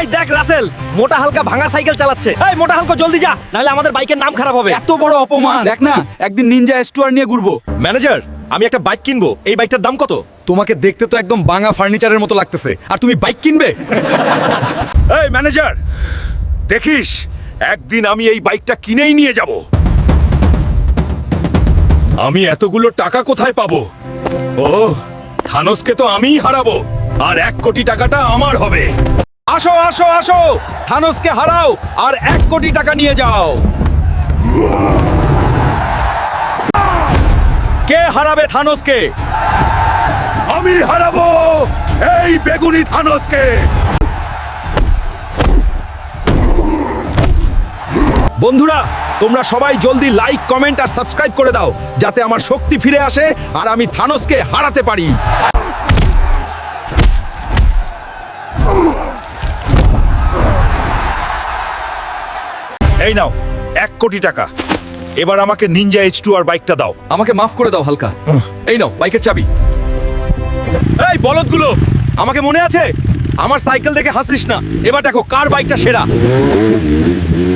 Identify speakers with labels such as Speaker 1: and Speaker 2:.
Speaker 1: এই দেখ রাসেল, মোটা হালকা ভাঙা সাইকেল চালাচ্ছে। এই মোটা হালকা জলদি যা, নাহলে আমাদের বাইকের নাম খারাপ হবে।
Speaker 2: এত বড় অপমান! দেখ না, একদিন নিনজা স্টুয়ার নিয়ে ঘুরবো।
Speaker 1: ম্যানেজার, আমি একটা বাইক কিনবো, এই বাইকটার দাম কত?
Speaker 2: তোমাকে দেখতে তো একদম ভাঙা ফার্নিচারের মতো লাগতেছে, আর তুমি বাইক কিনবে?
Speaker 3: এই ম্যানেজার, দেখিস একদিন আমি এই বাইকটা কিনেই নিয়ে যাব। আমি এতগুলো টাকা কোথায় পাবো? ও, থানোসকে তো আমিই হারাবো, আর 1 কোটি টাকাটা আমার হবে।
Speaker 2: আসো আসো আসো, থানোসকে হারাও আর 1 কোটি টাকা নিয়ে যাও। কে হারাবে থানোসকে?
Speaker 3: আমি হারাবো এই বেগুনি থানোসকে।
Speaker 1: বন্ধুরা, তোমরা সবাই জলদি লাইক, কমেন্ট আর সাবস্ক্রাইব করে দাও, যাতে আমার শক্তি ফিরে আসে আর আমি থানোসকে হারাতে পারি।
Speaker 3: এই নাও 1 কোটি টাকা। এবার আমাকে নিনজা H2R বাইকটা দাও।
Speaker 2: আমাকে মাফ করে দাও হালকা। এই নাও বাইকের চাবি।
Speaker 1: এই বলদগুলো, আমাকে মনে আছে? আমার সাইকেল দেখে হাসিস না, এবার দেখো কার বাইকটা সেরা।